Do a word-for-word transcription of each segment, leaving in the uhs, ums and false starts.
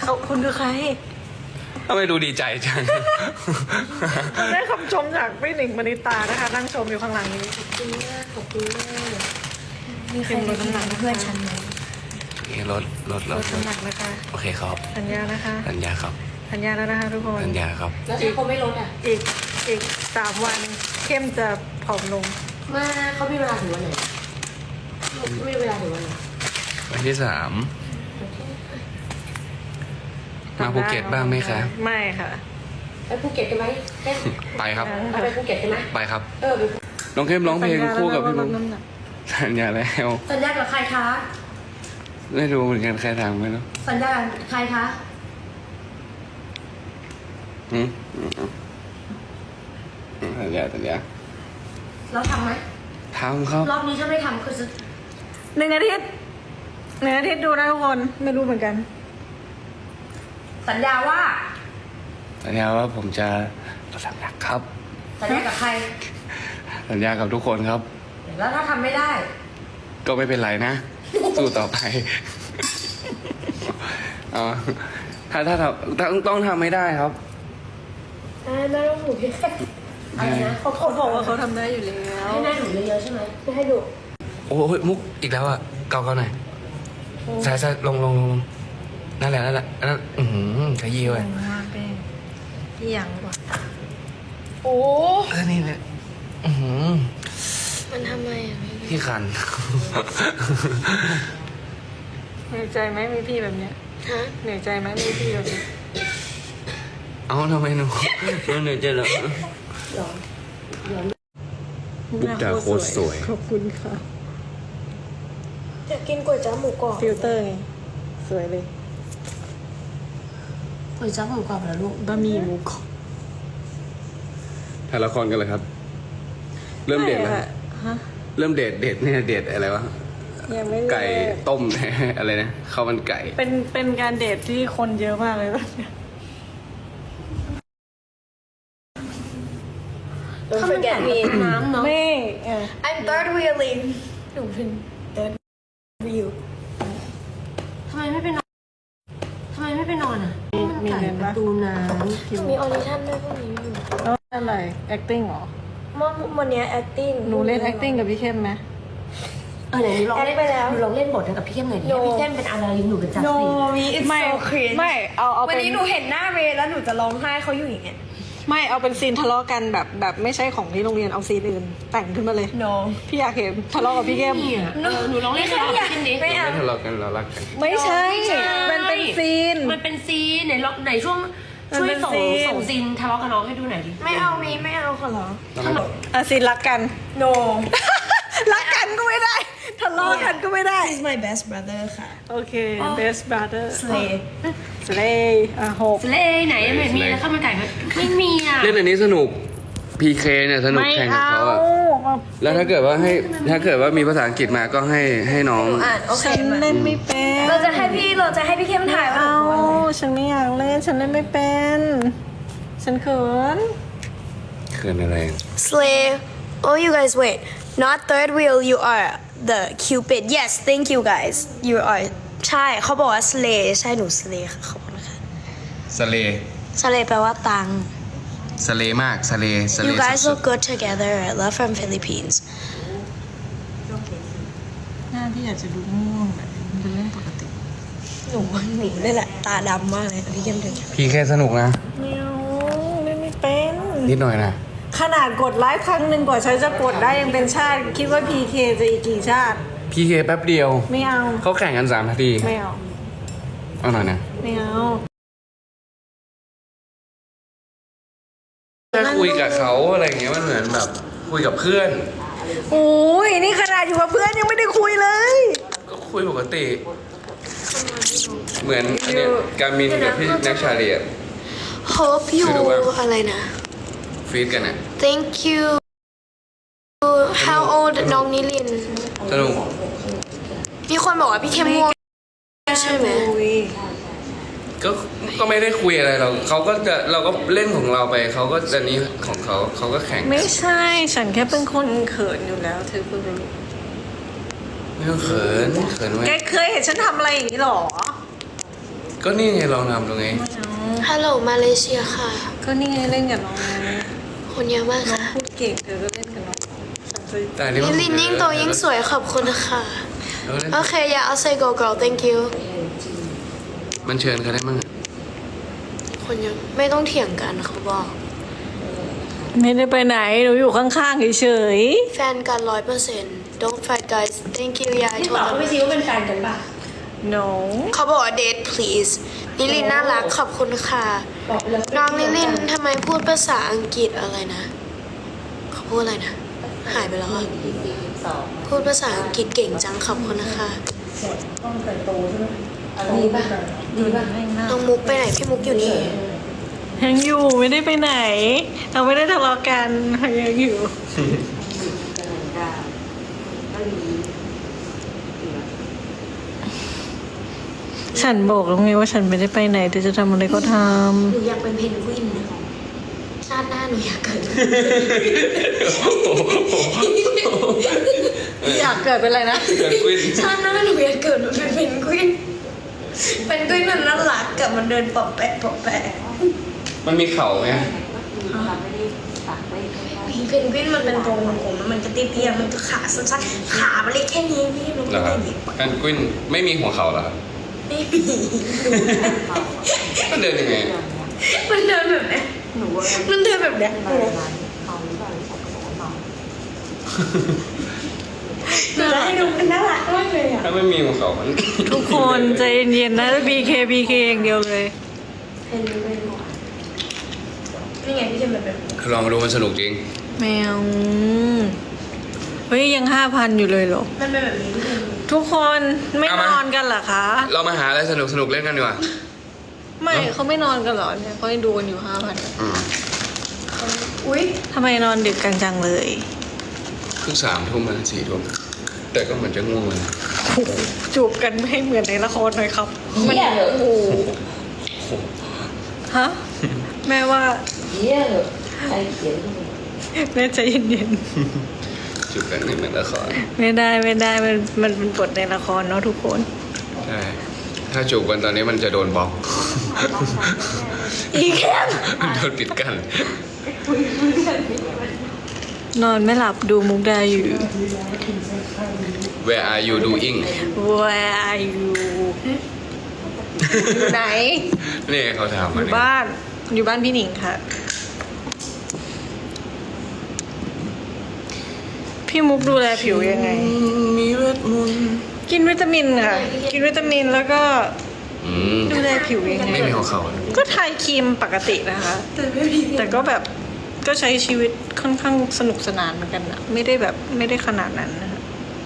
เขาคุณคือใครทำไมดูดีใจจังได้คำชมจากพี่หนิงมณิตานะคะนั่งชมอยู่ข้างหลังนี้ขอบคุณมากขอบคุณมากมีใครลดน้ำหนักเพื่อนฉันไหมนี่ลดลดลลดดน้ำหนักนะคะโอเคครับสัญญานะคะสัญญาครับสัญญาแล้วนะคะทุกคนสัญญาครับแล้วถ้าเขาไม่ลดอ่ะอีกอีกสามวันเข้มจะผอมลงมาเขามีเวลาถึงวันไหนไม่มีเวลาถึงวันไหนวันที่สามมาภูเก็ตบ้างไหมคะไม่ค่ะไปภูเก็ตกันไหมเต้นไปครับเอาไปภูเก็ตกันไหมไปครับเออไปน้องเข้มร้องเพลงคู่กับพี่สัมุญกญาแล้วว่าลดน้ำหนักสัญญาแล้วสัญญากับใครคะไม่รู้เหมือนกันใครทำไม่รู้สัญญากับใครคะอืมอืมอืมสัญญาสัญญาเราทำไหมทำครับรอบนี้ถ้าไม่ทำคือจะหนึ่งอาทิตย์หนึ่งอาทิตย์ดูนะทุกคนไม่รู้เหมือนกันสัญญาว่าสัญญาว่าผมจะลดน้ำหนักครับสัญญากับใครสัญญากับทุกคนครับแล้วถ้าทำไม่ได้ก็ไม่เป็นไรนะ สู้ต่อไป เอาถ้าถ้าทำต้องต้องทำไม่ได้ครับอ่าแม่ต้องหนูพี่อะไรนะเขาเขาบอกว่าเขาทำได้อยู่แล้วให้แม่หนูเยอะๆใช่ไหมไม่ให้ดูโอ้ยมุกอีกแล้วอ่ะเกาเกาหน่อยใส่ใส่ลงลงลงนั่นแหละนั่นแหละนั่นอือหือขยี้ไว้มากเป็นพี่ยังกว่าโอ้เออนี่เนี่ยอือหือมันทำไมอ่ะที่คันเหนื่อยใจไหมมีพี่แบบเนี้ยฮะเหนื่อยใจไหมมีพี่แบบเนี้ยเอ้าทำไมหนูหนูเหนื่อยใจเหรอหรอหรอบุ๊กดาโคตรสวยขอบคุณค่ะอยากกินก๋วยจั๊บหมูกรอบฟิลเตอร์ไงสวยเลยก๋วยจั๊บหมูกรอบเหรอลูกบะหมี่หมูกรอบถ่ายละครกันเลยครับ เริ่มเดทแล้วไม่อะฮะเริ่มเดทเดทเนี่ยเดทอะไรวะยังไม่ไก่ต้ม อะไรนะข้าวมันไก่เป็นเป็นการเดทที่คนเยอะมากเลยแบบเนี้ย Don't forget me น้ำเนาะไม่เออ I'm third wheeling หนูเป็น third wheel ทำไมไม่ไปนอนทำไมไม่ไปนอนอ่ะมีเงินปปะระตูน้มีออดิชั่นด้วยพวกนี้อยู่แล้วอะไร acting เหรอเมื่อวันเนี้ย acting หนูเล่น acting กับพี่เข้มไหมำเออไหนหนูลองเล่นแอดไปแล้วหนูลองเล่นบทกับพี่เข้มหน่อยดิ No ให้พี่เข้มเป็นอะไรหนูเป็นจัสตินมี it's ไม่ so cringe ไม่เอาเอาวันเป็นนี้หนูเห็นหน้าเรย์แล้วหนูจะร้องไห้เขาอยู่อย่างเงี้ยไม่เอาเป็นซีนทะเลาะกันแบบแบบไม่ใช่ของที่โรงเรียนเอาซีนอื่นแต่งขึ้นมาเลย no พี่อยากเห็นทะเลาะกับพี่เข้มเนี่ยเออหนูลองเล่นกับพี่เข้มดิไม่เอาไม่ทะเลาะกันเรารักกันไม่ใช่ไม่ใช่มันเป็นซีนมันเป็นซีนไหนลองไหนช่วงมันช่วยเป็นส่งซีนส่งซีนทะเลาะกับน้องให้ดูหน่อยดิไม่เอามีไม่เอาขอร้องอ่ะซีนรักกัน no รักกันก็ไม่ได้ทะเลาะกันก็ไม่ได้ he's my best brother ค่ะโอเค best brother slay slay อ่ะหกเล่ไหนไม่มีแล้วข้าวมันไก่ไหมไม่มีอ่ะเล่นอันนี้สนุก พี เค เนี่ยสนุกไม่แข่งกับเอาเขาอะแล้วถ้าเกิดว่าให้ถ้าเกิดว่ามีภาษาอังกฤษมาก็ให้ให้น้องหนูอ่านโอเคฉันมาเล่นไม่เป็นเราจะให้พี่เราจะให้พี่เข้มถ่ายว่าเอาหนูพูดอะไรฉันไม่อยากเล่นฉันเล่นไม่เป็นฉันเขินเขินอะไร slay oh you guys wait not third wheel you are the cupid yes thank you guys you are ใช่เขาบอกว่า slay ใช่หนู slay ค่ะขอบคุณค่ะสเล slay แปลว่าตังสเลมากสเลสเล You guys สุด look good together. Love from Philippines. หน้าพี่อาจจะดูง่วงแบบมันเป็นเรื่องปกติหนูว่าหนูนี่แหละตาดำมากเลยพี่เข้มเดินๆ พี เค สนุกนะไม่เอาเล่นไม่เป็นนิดหน่อยนะขนาดกดไลฟ์ครั้งหนึ่งกว่าฉันจะกดได้ยังเป็นชาติ คิดว่า พี เค จะอีกกี่ชาติพี เค แป๊บเดียวไม่เอาเขาแข่งกันสามนาทีไม่เอาเอาหน่อยนะไม่เอาถ้าคุยกับเขาอะไรอย่างเงี้ยมันเหมือนแบบ คุยกับเพื่อนโอ้ยนี่ขนาดอยู่กับเพื่อนยังไม่ได้คุยเลยก็คุยปกติ เหมือนอันเนี้ยการมินกับพี่แน็กชาเลีย Hope you คือดูว่าอะไรนะฟีดกันอ่ะ Thank you How old น้องนิลินสนุกมีคนบอกว่าพี่เข้มง่วงใช่ไหมคุยก็ก็ไม่ได้คุยอะไรเราเขาก็จะเราก็เล่นของเราไปเขาก็จะนี้ของเขาเขาก็แข่งไม่ใช่ ฉันแค่เป็นคนเขินอยู่แล้วเธอเพิ่งรู้ไม่ต้องเขินเขินไว้แกเคยเห็นฉันทำอะไรอย่างนี้หรอก็ก็นี่ไงลองทำดูไงฮัลโหลมาเลเซียค่ะก็นี่ไงเล่นกับน้องไงคนเยอะมากน้องค่ะพูดเก่งเธอก็เล่นกับน้องฉันจะแต่อันนี้ลิมันลินยิ่งโตยิ่งสวยขอบคุณค่ะเราเล่นโอเค yeah I'll say go girl thank you มันเชิญเขาได้มั้งอะคนเยอะไม่ต้องเถียงกันเขาบอกไม่ได้ไปไหนหนูอยู่ข้างๆเฉยแฟนกันร้อยเปอร์เซ็นต์ don't fight guys thank you yeah I นี่ told บอกเขา them ไม่ซิว่าเป็นแฟนกันป่ะๆ no เขาบอกว่า date please ลิลินน่ารักขอบคุณค่ะบอกไปแล้วน้องลิลินทำไมพูดภาษาอังกฤษอะไรนะ เขาพูดอะไรนะ หายไปแล้วอะพูดภาษาอังกฤษเก่งจังขอบคุณนะคะดีป่ะดีป่ะน้องมุกไปไหนพี่มุกอยู่นี่ยังอยู่ไม่ได้ไปไหน เราไม่ได้ทะเลาะกันเรายังอยู่ ฉันบอกแล้วไงว่าฉันไม่ได้ไปไหนเธอจะทำอะไรก็ทหนูอยากเป็นเพนกวินนะชาติหน้าหนูอยากเกิดำอยากเกิดเป็นอะไรนะเกิดกุ้ยชาติหน้าหนูอยากเกิดมาเป็นเพนกวินเพนกวินมันน่ารักกับมันเดินปอบแปะปอบแปะมันมีเข่าไหมเพนกวินมันเป็นตัวผมมันจะเตี้ยๆมันก็ขาสั้นๆขามันเล็กแค่นี้พี่มันเหรก็อคได้รับหยิบกันกุ้ยไม่มีหัวเข่าเหรอครับไม่มีมันเดินยังไงมันเดินแบบเนี้ยมันเดินแบบเนี้ยหนูจะให้ดูมันน่ารักมากเลยอ่ะถ้าไม่มีหัวเข่ามันทุกคนใจเย็นๆนะ บี เค บี เค อย่างเดียวเลยเพนกวินนี่ไงพี่จะแบบแบบนี้ลองดูมันสนุกจริงแมวเฮ้ยยังห้าพันอยู่เลยเหรอมันเป็นแบบนี้พี่ทุกคนไม่เอานมาอนกันเหรอคะเรามาหาอะไรสนุกสนุกๆเล่นกันดีกว่าไม่เนอะเขาไม่นอนกันเหรอเนี่ยเขายังดูกันอยู่ห้าพันอืมอุ้ยทำไมนอนดึกกันจังเลยเพิ่งสามทุ่มมาสี่ทุ่มแต่ก็เหมือนจะง่วงเลยจูบกันไม่ให้เหมือนในละครหน่อยครับมันเหี้ยเหรอโอ้โหฮะแม่ว่าเหี้ยเหรอใครเขียนขึ้นมาแม่ใจเย็นจุดกันในเหมือนละครๆไม่ได้ไม่ได้มันมันเป็นบทในละครเนาะทุกคนใช่ถ้าจูบกันตอนนี้มันจะโดนบล็อกอีแคมมันโดนปิดกันนอนไม่หลับดูมุกดาอยู่ Where are you doing Where are you อยู่ไหนนี่เขาถามอมายู่เนี่ยบ้าน อยู่บ้านพี่หนิงค่ะ พี่มุกดูแลผิวยังไงมีเวทมนต์กินวิตามินค่ะ กินวิตามินแล้วก็อืมดูแลผิวยังไงไม่มีหัวเข่าเลยก็ทายครีมปกตินะคะ แต่ก็แบบก็ใช้ชีวิตค่อนข้างสนุกสนานเหมือนกันนะไม่ได้แบบไม่ได้ขนาดนั้นนะคะ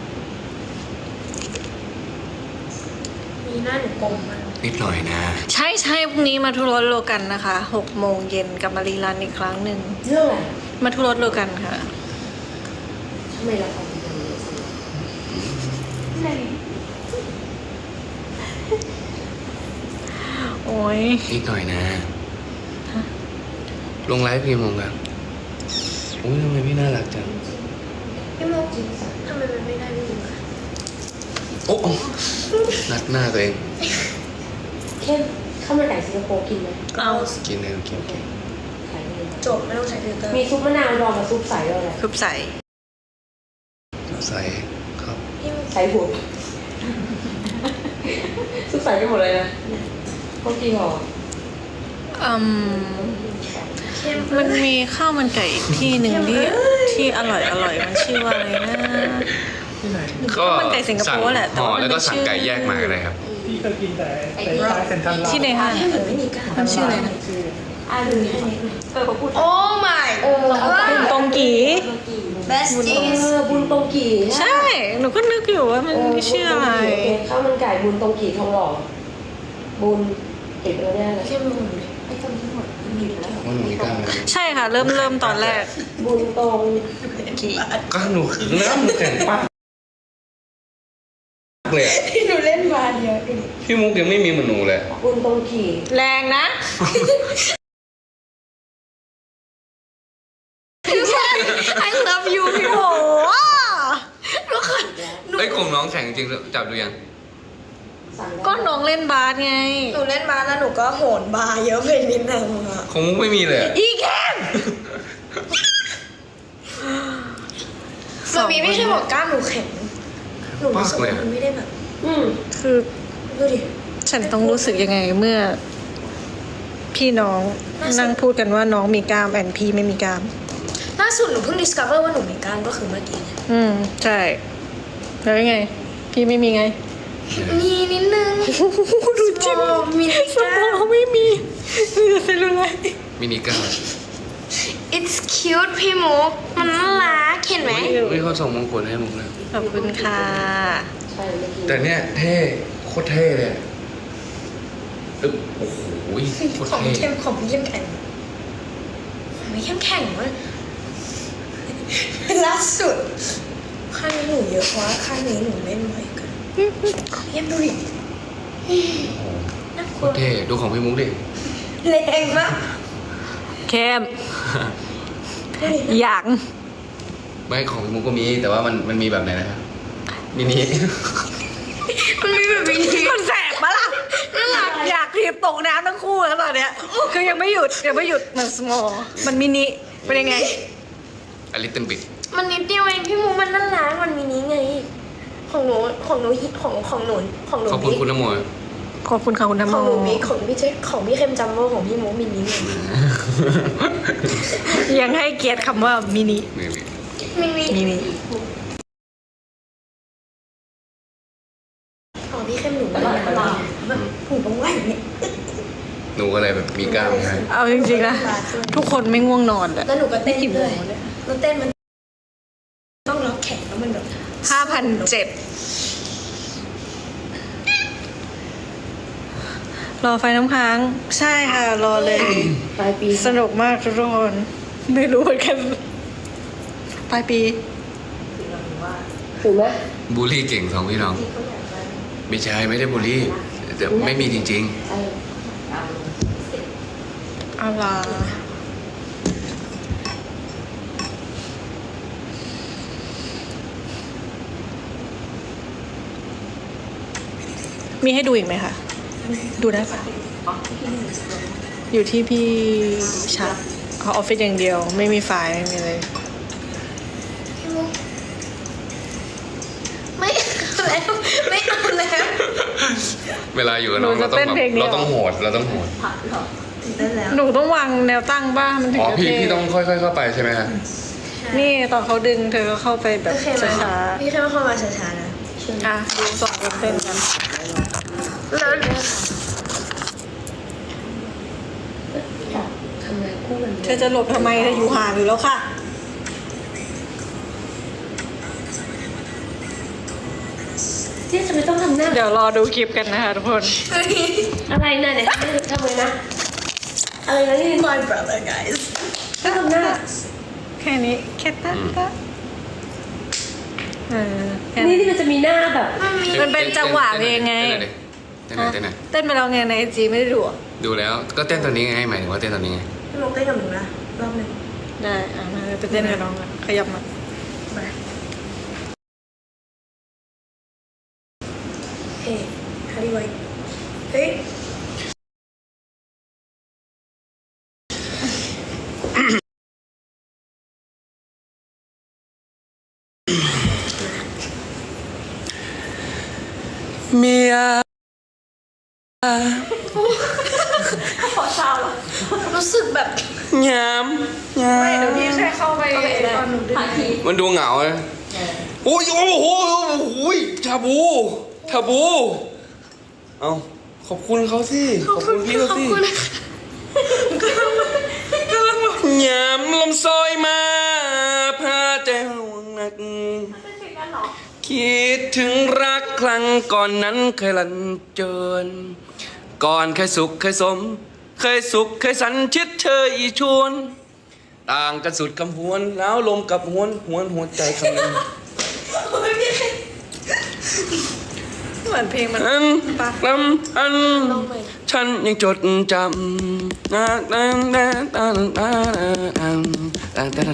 มีหน้าหนูกลมมากนิดหน่อยนะใช่ใช่พรุ่งนี้มาทุรสโลกันนะคะหกโมงเย็นกลับมารีรันอีกครั้งหนึ่งเรื่องอะไรมาทุรสโลกันค่ะทำไมเราทำอย่างนี้อะไรโอ้ยนิดหน่อยนะ ลงไลฟ์กี่โมงครับอุ้ยทำไมพี่น่ารักจังพี่มุกทำไมมันไม่ได้พี่มุกอะโอ้นัดหน้าตัวเองเข้มข้าวมันไก่สิงคโปร์กินไหมเอากินเลยกินกินขายดีจบไม่ต้องใช้ฟิลเตอร์มีซุปมะนาวดองกับซุปใสด้วยแหละคึบใส่ใส่ครับพี่มุกใส่หัวซุปใสไปหมดเลยนะพวกจริงเหรออืมเข้มมันมีข้าวมันไก่อีกที่หนึ่งที่ที่อร่อยอร่อยมันชื่อว่าอะไรนะก็มันไก่สิงคโปร์แหละแต่ห่อว่ามันแล้วก็ไม่สั่งชื่อไก่แยกมาก็ได้ครับพี่เคยกินแต่แต่ร้านเซ็นทรัลลาดที่ในห้างให้เหมือนไม่มีก้ามันชื่ออะไรนะอ่าดูนี่เออเขาพูดโอ้ my เออเอาไปบุญตรงกี best เอ is อบุญตรงกี่ใช่ หนูก็นึกอยู่ว่ามันชื่ออะไรข้าวมันไก่บุญตรงกี่ทองหล่อบุญติดแล้วเนี่ยเลยเข้มมุกไอ้คนทั้งหมดมันมีแล้วว่าหนูมีกล้ามไหมใช่ค่ะ เริ่มเริ่มตอนแรกบุญตรงกีก็หนูเนื้อหนูแข็งปักเลยอะที่หนูเล่นมาเดียวเองพี่มุกยังไม่มีเหมือนหนูเลยบุญตรงกี่แรงนะ I love you พี่โหเฮ้ยกลมน้องแข็งจริงจับดูยังก็น้องเล่นบาสไงหนูเล่นบาสแล้วหนูก็โหนบาร์เยอะไปนิดนึงอะของมุกไม่มีเลยอะอีแคมมันมีไม่ใช่บอกกล้ามหนูแข็งหนูรู้สึกว่ามันไม่ได้แบบอืมคือดูดิฉันต้องรู้สึกยังไงเมื่อ พี่น้องนั่งพูดกันว่าน้องมีกล้ามแอนพี่ไม่มีกล้ามล่าสุดหนูเพิ่ง discover ว่าหนูมีกล้ามก็คือเมื่อกี้เนี่ยอืม ใช่ แล้วยังไง พี่ไม่มีไงมีนิดนึงดูจิ้มมีนิดสมองไม่มีมีแต่เซลลูไลท์มินิก้า it's cute พี่มุกมันน่ารักเห็นไหมไม่เขาส่งมงกุฎให้มุกเลยขอบคุณค่ะแต่เนี้ยเท่โคตรเท่เลยอะอึ๊บโอ้โหโคตรของเท่เข้มของเข้มแข็งของไม่เข้มแข็งวะล่าสุดข้างนี้หนูเยอะเพราะว่าข้างนี้หนูเล่นบ่อยกันเยี่ยมดูดิน่ากโคลัวตรเท่ดูของพี่มุกดิแรงมากแคมอย่างไม่ของพี่มุกก็มีแต่ว่ามันมันมีแบบไหนนะครับมินิมันมีแบบนี้มันแสบปะล่ะน่ารักอยากทีบตกน้ำทั้งคู่แล้วตอนเนี้ย คือยังไม่หยุดยังไม่หยุดมันสมอลมันมินิเป็นยังไงอลิตเติ้ลบิดมันนิดเดียวเองพี่มูมันน่ารักมันมีนี้ไง ของหนูของหนูฮิตของของหนูของหนูขอบคุณบิ๊กคุณนโมขอบคุณค่ะคุณธรรมของหนูบิ๊กของพี่เจ๊ของพี่เข้มจัมโบ้ของพี่มูมินิไงยังให้เกียรติคำว่ามินินี่นี่มินิมินิของพี่เข้มหนูไม่ได้แบบหนูต้องไหวเนี่ยหนูก็เลยแบบมีกล้ามใช่ไหมเอาจริงๆนะทุกคนไม่ง่วงนอนแหละแล้วหนูก็เต้นกี่โมด้วยงเนี่ยแล้วเต้นมันต้องล็อกแขนแล้วมันแบบห้าพันเจ็ดรอไฟน้ำค้าง ใช่ค่ะ รอเลยปลายปีสนุกมากทุกคนไม่รู้เหมือนกันปลายปีถูกไหมบูลลี่เก่งสองพี่น้องไม่ใช่ไม่ได้บูลลี่แต่ไม่มีจริงใช่อะไรมีให้ดูอีกไหมคะ ดูได้ปะอยู่ที่พี่ชัดเขาออฟฟิศอย่างเดียว ไม่มีไฟล์ไม่มีอะไรพี่มูไม่เอาแล้วไม่เอาแล้วๆ เวลาอยู่กับน้องหนูเราจะต้องเต้นแบบเพลงเดียวเราต้องโหดเราต้องโหดได้แล้วหนูต้องวางแนวตั้งบ้างมันถึงอ๋อจะพี่เท่พี่ต้องค่อยๆเข้าไปใช่ไหมฮะนี่ตอนเขาดึงเธอก็เข้าไปแบบโอเคไหมช้าพี่เข้มเข้ามาช้าๆนะๆอ่ะดูสองคนเต้นกันแล้วทำไมคู่กันเธอจะหลบทำไมเธออยู่ห่างอยู่แล้วค่ะที่จะไม่ต้องทำหน้าเดี๋ยวรอดูคลิปกันนะคะทุกคนอะไรนะเนี่ยทำไมนะ อะไรนะนี่ My brother guys ต้องทำหน้าแค่นี้แค่ตะตะเออแค่นี่นี้ที่มันจะมีหน้าแบบมันเป็นจังหวะเพลงไงเต้นหน่อยดิเต้นหน่อยเต้นหน่อยเต้นไปแล้วไงในไอจีไม่ได้ดูอ่ะดูแล้วก็เต้นตอนนี้ไงหมายถึงว่าเต้นตอนนี้ไงพี่มุกเต้นกับหนูนะรอบหนึ่งได้อ่ะมาไปเต้นกับน้องกันขยับมามาเฮ้ยฮาริไวเฮ้ยเมียรู้สึกแบบยามยามเดี๋ยวพี่แค่เข้าไปตอนหนูดึงมันดูเหงาเลยโอ้ยโอ้โหโอ้โหชาบูชาบู เอาขอบคุณเขาสิ ขอบคุณพี่เขาขอบสิคุณยามลมซอยมาพาใจห่วงหนัก คิดถึงรักครั้งก่อนนั้นเคยลันเจิน ก่อนเคยสุขเคยสม เคยสุขเคยสันชิดเธออีชวน ต่างกันสุดคำหวนแล้วลมกับหวนหวนหัวใจคำนึงเหมือนเพลงมันอันลำอันฉันยังจดจำนะนะนะนะนะนะนะ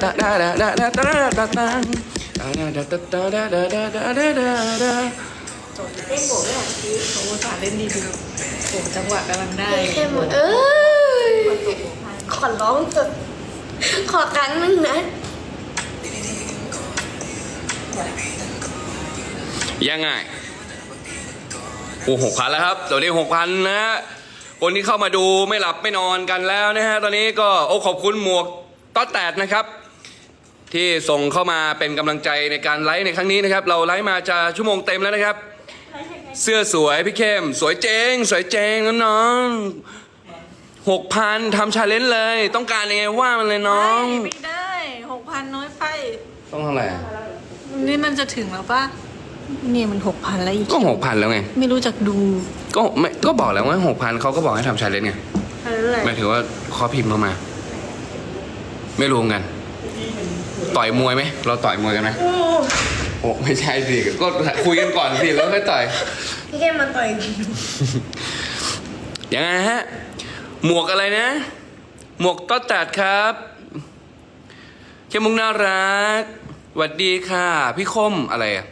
นะนะเล่นโบว์ไม่อยากซื้อเขาอุตส่าห์เล่นดีๆโอ้จังหวะกำลังได้เข้มเอ้ยขอร้องเถอะขอครั้งหนึงนะยังไงโอ้หกพันแล้วครับตอนนี้หกพันนะฮะคนที่เข้ามาดูไม่หลับไม่นอนกันแล้วนะฮะตอนนี้ก็โอ้ขอบคุณหมวกต๊อดแตดนะครับ ที่ส่งเข้ามาเป็นกำลังใจในการไลฟ์ในครั้งนี้นะครับ เราไลฟ์มาจะชั่วโมงเต็มแล้วนะครับ เสื้อสวยพี่เข้มสวยเจงสวยเจงน้องหกพันทำชาเลนจ์เลย ต้องการยังไงว่ามันเลยน้องไม่ได้หกพันน้อยไปต้องเท่าไหร่นี่มันจะถึงแล้วปะนี่มันหกพันแล้วอีกก็หกพันแล้วไงไม่รู้จักดูก็ไม่ก็บอกแล้วว่าหกพันเขาก็บอกให้ทำชาเลนจ์ไงอะไรหมายถึงว่าเขาพิมพ์เข้ามา ไม่รู้กัน ต่อยมวยไหมเราต่อยมวยกันไหมโอ้ไม่ใช่สิก็คุยกันก่อนสิแล้วค่อยต่อยพี่เข้มมาต่อยยังไงฮะ หมวกอะไรนะ หมวกต๊อดแตดครับเข้มมุกน่ารักหวัดดีค่ะ พี่คมอะไรอะ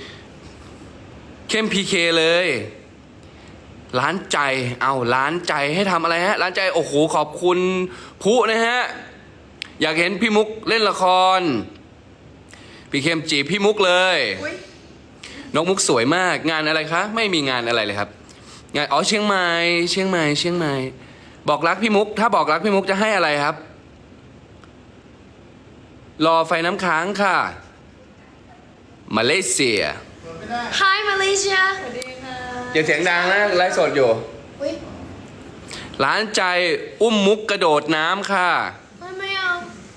เข้มพีเคเลยร้านใจเอาร้านใจให้ทำอะไรฮะร้านใจโอ้โหขอบคุณผู้นะฮะอยากเห็นพี่มุกเล่นละครพี่เข้มจีบพี่มุกเลยน้องมุกสวยมากงานอะไรคะไม่มีงานอะไรเลยครับงานอ๋อเชียงใหม่เชียงใหม่เชียงใหม่บอกรักพี่มุกถ้าบอกรักพี่มุกจะให้อะไรครับรอไฟน้ำค้างค่ะมาเลเซีย Hi Malaysia อย่าเสียงดังนะไลฟ์สดอยู่อุ้ยร้านใจอุ้มมุกกระโดดน้ำค่ะไม่ไม่เอา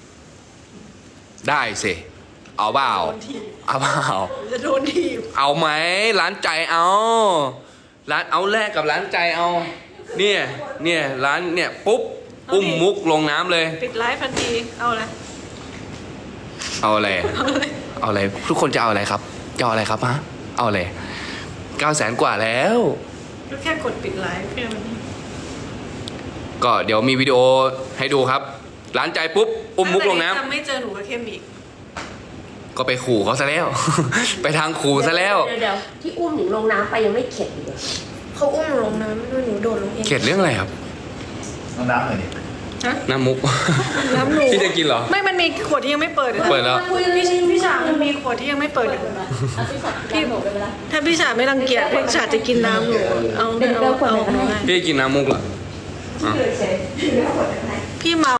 ได้สิเอาเปล่าเอาเปล่าจะโดนทีบเอาไหมร้านใจเอาร้านเอาแลกกับร้านใจเอาเนี่ยเนี่ยร้านเนี่ยปุ๊บอุ้มมุกลงน้ำเลยปิดไลฟ์ทันทีเอาละเอาอะไรเอาอะไรทุกคนจะเอาอะไรครับจะเอาอะไรครับฮะเอาอะไรเก้าแสนกว่าแล้วก็แค่กดปิดไลฟ์แค่นั้นก็เดี๋ยวมีวิดีโอให้ดูครับ ร้านใจปุ๊บอุ้มมุกลงน้ำจะไม่เจอหนูกับเข้มอีกก็ไปขู่เขาซะแล้ว ไปทางขู่ซะแล้วเดี๋ยวเดี๋ยวที่อุ้มหนิงลงน้ำไปยังไม่เข็ดอีกเหรอเขาอุ้มหนูลงน้ำด้วยหนูโดดลงเองเข็ดเรื่องอะไรครับเอาน้ำหน่อยดิน้ำมุกน้ำหนูพี่จะกินเหรอไม่มันมีขวดที่ยังไม่เปิดอยู่นะเปิดแล้วพี่พี่ฉามันมีขวดที่ยังไม่เปิดอยู่พี่บอกไปเวลาถ้าพี่ฉาไม่รังเกียจพี่ฉาจะกินน้ำหนูเอาเดี๋ยวเอาเดี๋ยวขวดเอาไหนก็ได้พี่กินน้ำมุกเหรออ่ะพี่เมา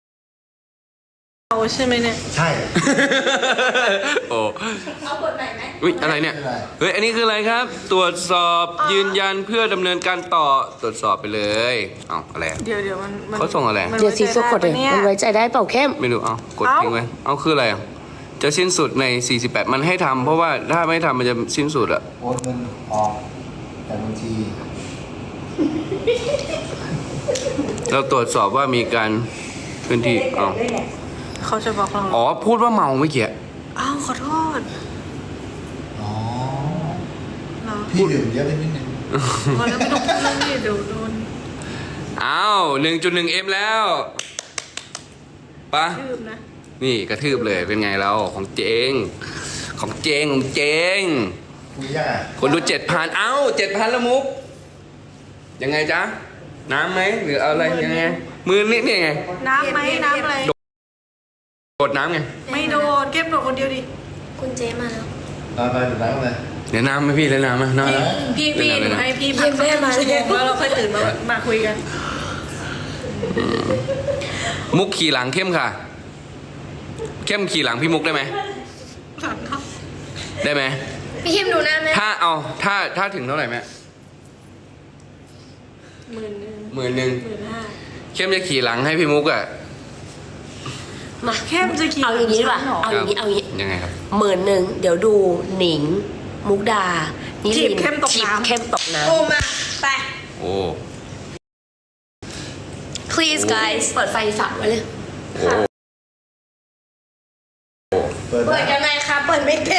ใช่ไหมเนี่ยใช่โอ้เอาขวดไหนไหมอุ๊ยอะไรเนี่ย เฮ้ย อันนี้คืออะไรครับ ตรวจสอบยืนยันเพื่อดำเนินการต่อ ตรวจสอบไปเลยเอ้าอะไรอะเดี๋ยวเดี๋ยวมันมันเขาส่งอะไรมันเดี๋ยวซีซุกกดเลยไว้ใจได้ปะมันไว้ใจได้เปล่าเข้มไม่รู้ เอ้ากดทิ้งไว้ เอ้าคืออะไรอะจะสิ้นสุดใน สี่สิบแปด มันให้ทำเพราะว่าถ้าไม่ทำมันจะสิ้นสุดอะโอนเงินออกแต่บัญชีเราตรวจสอบว่ามีการพื้นที่อ๋อเขาจะบอกเราอ๋อ พูดว่าเมาเมื่อกี้อ้าวขอโทษอ๋อเหรอพี่ดื่มเยอะไปนิดนึงพอแล้วไม่ต้องพูดเรื่องนี้เดี๋ยวโดนอ้าว หนึ่งจุดหนึ่งเอ็มแล้วปะทืบนะนี่กระทืบเลยเป็นไงเราของเจง ของเจงของเจงคุยยังอ่ะคนดูเจ็ดพันเอ้าเจ็ดพันละมุก ยังไงจ๊ะ น้ำไหมหรือเอาอะไรยังไง มือนี่นี่ไงน้ำไหมน้ำอะไรโดดน้ำไงไม่โดนเก็บโดนคนเดียวดิคุณเจมาแล้วนอนไปดื่มน้ำเลยเดี๋ยวน้ำไหมพี่แล้วน้ำไหมน้ำไหมพี่พี่เดี๋หยวนูนะให้พี่พักสักครึ่งชั่วโมงแล้วเราค่อยตื่นมามาคุยกันมุกขี่หลังเข้มค่ะ เข้มขี่หลังพี่มุกได้ไหมหลังเขาได้ไหมพี่เข้มดูหน้าแม่ถ้าเอาถ้าถ้าถึงเท่าไหร่แม่หมื่นหนึ่งหมื่นหนึ่งหมื่นห้าเข้มจะขี่หลังให้พี่มุกอะมาเข้มจะขี่เอาอย่างนี้ดีกว่าหลังฉันเหรอเอาอย่างนี้เอาอย่างนี้ยังไงครับหมื่นหนึ่งเดี๋ยวดูหนิง มุกดานิจีลิบนเข้มตกจีบน้ำเข้มตกน้โอ้มาไปโอ้ please ำ guys เปิดไฟสระไว้เลยโอ้เปิดเปิดนะยังไงคะเปิดไม่เป็น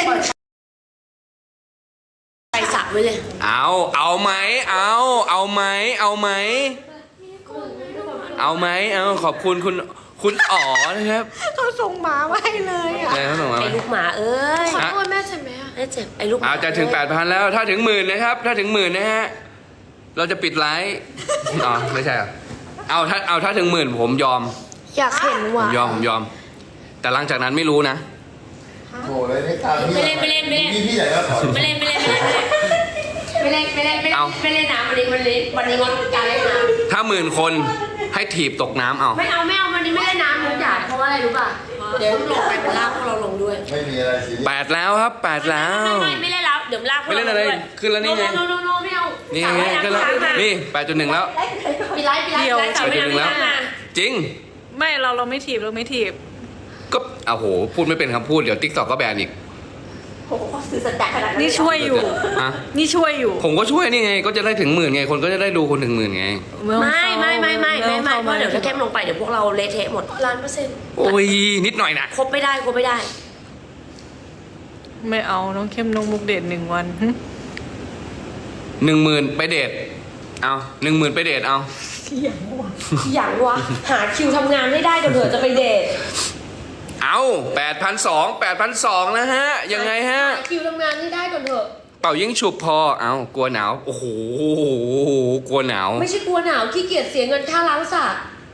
ไฟสระไว้เลยเอาเอาไหมเอาเอาไหมเอาไหมเอาไหมเอาขอบคุณคุณคุณอ๋อนะครับเขาส่งหมามาให้เลยอ่ะใช่เขาส่งมาไอ้ลูกหมาเอ้ยขอโทษแม่ใช่ไหมอะไอ้เจ็บไอ้ลูกหมาเอาจะถึงแปดพันแล้ว ถ้าถึงหมื่นนะครับ ถ้าถึงหมื่นนะฮะ เราจะปิดไลฟ์อ๋อไม่ใช่เหรอเอาถ้าเอาถ้าถึงหมื่นผมยอมอยากเห็นผว่ะมยอมผมยอม แต่หลังจากนั้นไม่รู้นะโถ่เลยไม่ตามพี่ไม่เล่นไม่เล่นไม่เล่นพี่พี่ใหญ่ก็ขอไม่เล่นไม่เล่นไม่เล่นไม่เล่นไม่เล่นไม่เล่นเอาไม่เล่นน้ำวันนี้วันนี้วันนี้งดการเล่นน้ถ้าหมื่นคนให้ถีบตกน้ำเอาำไม่เอาไม่เอาวันนี้ไม่เล่นน้ำทุกอย่างเพราะว่าอะไรรู้ป่ะเดี๋ยวลงไปเป็นลากพวกเราลงด้วยไม่มีอะไรสิแปดแล้วครับแปดแล้วไม่ไม่ไม่เล่นแล้วเดี๋ยวลากพวกไม่เล่นอะไรราด้วยขึ้นแล้วนี่ไงโนโนโนโนไม่เอานี่สาวไงว่ายก็แล้วน้ำค้างมานี่แปดจุดหนึ่งแล้วปิดไลฟ์ปิดไลฟ์ปิดไลฟ์สาวว่ายน้ำค้างมาจริงไม่เราเราไม่ถีบเราไม่ถีบก็โอ้โห พูดไม่เป็นคำพูด เดี๋ยวติ๊กต็อกก็แบนอีกโอ้โหสื่อสัจจะขนาดนั้นนี่ช่วยอยู่อะนี่ช่วยอยู่ผมก็ช่วยนี่ไง ก็จะได้ถึงหมื่นไง คนก็จะได้ดูคนถึงหมื่นไงไม่ไม่ไม่ไม่ไม่ไม่เพราะเดี๋ยวถ้าแค่เข้มลงไปเดี๋ยวพวกเราเละเทะหมดล้านเปอร์เซ็นต์โอ้ย นิดหน่อยนะครบไม่ได้ครบไม่ได้ไม่เอาน้องเข้มน้องมุกเดทหนึ่งวันหึหนึ่งหมื่นไปเดท เอาหนึ่งหมื่นไปเดทเอาอย่างวะหาคิวทำงานไม่ได้เดี๋ยวเผื่อจะไปเดทเอาแปดพันสองแปดพันสองนะฮะ ยังไงฮะหาคิวทำงานไม่ได้ก่อนเถอะเป่ายิงฉุบพอ เอากลัวหนาว โอ้โห กลัวหนาวไม่ใช่กลัวหนาวขี้เกียจเสียเงินค่าล้างสระ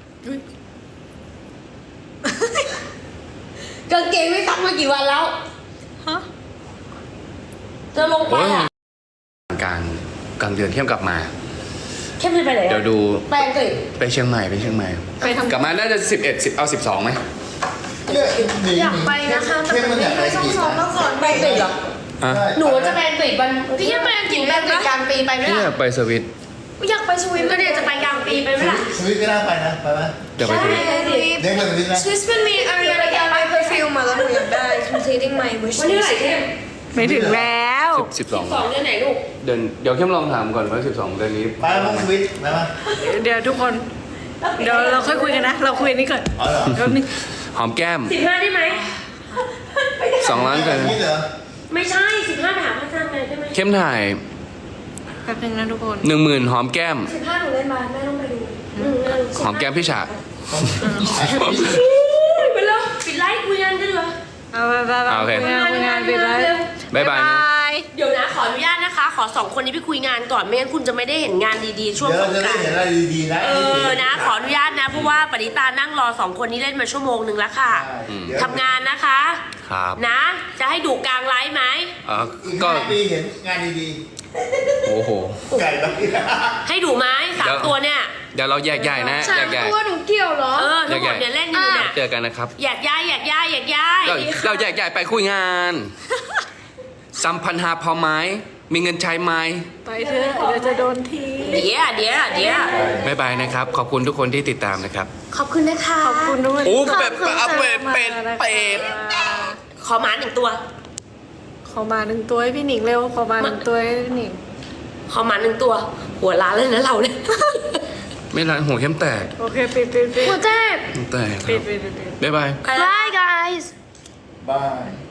กางเกงไม่ซักมากี่วันแล้วฮะจะลงไปโอ้ยอ่ะกลางกลางเดือนเข้มกลับมาเข้มไปไหนเดี๋ยวดูไปอังกฤษไปเชียงใหม่ไปเชียงใหม่ไปทำกลับมาน่าจะสิบเอ็ดสิบเอาสิบสองไหมเนี่ยหนีอยากไปนะคะแต่เข้มมัมัน นอไม่ยากไปเคยต้องกี่ซ้อมมาก่อนไปอังกฤษเหรออ่ะใช่หนูจะไปอังกฤษวันพี่แค่ไปอังกฤษไปอังกฤษกลางปีไปไหมพี่อล่ะยากไปสวิตอยากไปสวิตก็เดี๋ยวจะไปกลางปีไปไหมล่ะสวิตก็น่าไปนะไปไหมอยากไปสวิตเด็กไปสวิตนะสวิสมันมีอะไรอะไรกันไปเพอร์ฟิวมาแล้วหนูอยากได้ completing my wish วันนี้เท่าไหร่เข้มไม่ถึงแล้วสิบสองสองเดือนไหนลูกเดือนเดี๋ยวเข้มลองถามก่อนว่าสิบสองเดือนนี้ไปแล้วสวิตไปไหมเดี๋ยวทุกคน เดี๋ยวเราค่อยคุยกันนะ เราคุยอันนี้ก่อนอ๋อเหรอแป๊บนึงหอมแก้มสิบห้าได้ไหมสองล้านกันนี่เหรอไม่ใช่สิบห้าไปหาพระจันทร์เลยได้ไหมเข้มถ่ายแป๊บนึงนะทุกคนหนึ่งหมื่นหอมแก้มสิบห้าหนูเล่นมาแม่ต้องไปดูอืมนั่นหอมแก้มพี่ฉากไปแล้วปิดไลฟ์คุยกันกันเหรอเอาไปไปไปโอเคคุยงานคุยงานไปเลยบ๊ายบายนะเดี๋ยวนะขออนุญาตนะคะ ขอสองคนนี้ไปคุยงานก่อนไม่งั้นคุณจะไม่ได้เห็นงานดีๆช่วงเดี๋ยวสเรางจะกได้รานต์เห็นอะไรดีๆนะเออนะ ขออนุญาตนะเพราะว่าปณิตานั่งรอสองคนนี้เล่นมาชั่วโมงหนึ่งแล้วค่ะเดี๋ยวทำงานนะคะครับนะ จะให้ดูกลางไลฟ์ไหมอ่ะอีกก็ห้าปีเห็นงานดีโอ้โหๆไก่แล้วให้ดูไหมสามตัวเนี่ยเดี๋ยวเราแยกย้ายนะสาแยมกย้ายตัวหนูเกี่ยวเหรอเออทั้งหมดเนี่ยเล่นอยู่เนี่ยเจอกันนะครับอยากย้ายอยากย้ายอยากย้ายเราเราแยกย้ายไปคุยงานสัมพันหาพอไหมมีเงินใช้ไหมไปเถอะเดี๋ยวจะโดนทีเดี๋ยวเดี๋ยวเดี๋ยวบ๊ายบายนะครับ ขอบคุณทุกคนที่ติดตามนะครับขอบคุณนะคะขอบคุณด้วยโอ้เป็ดเอาเป็ดเป็ดเป็ดขอหมาหนึ่งตัวขอมาหนึ่งตัวให้พี่หนิงเร็ว ขอมาหนึ่งตัวให้พี่หนิงขอหมาหนึ่งตัว หัวล้านเลยนะเราเนี่ยไม่ร้านหัวเข้มแตกโอเคปิดปิดปิดหัวเจ็บเข้มแตกคปิรัดบปิดปิดบ๊ายบาย Bye guys บาย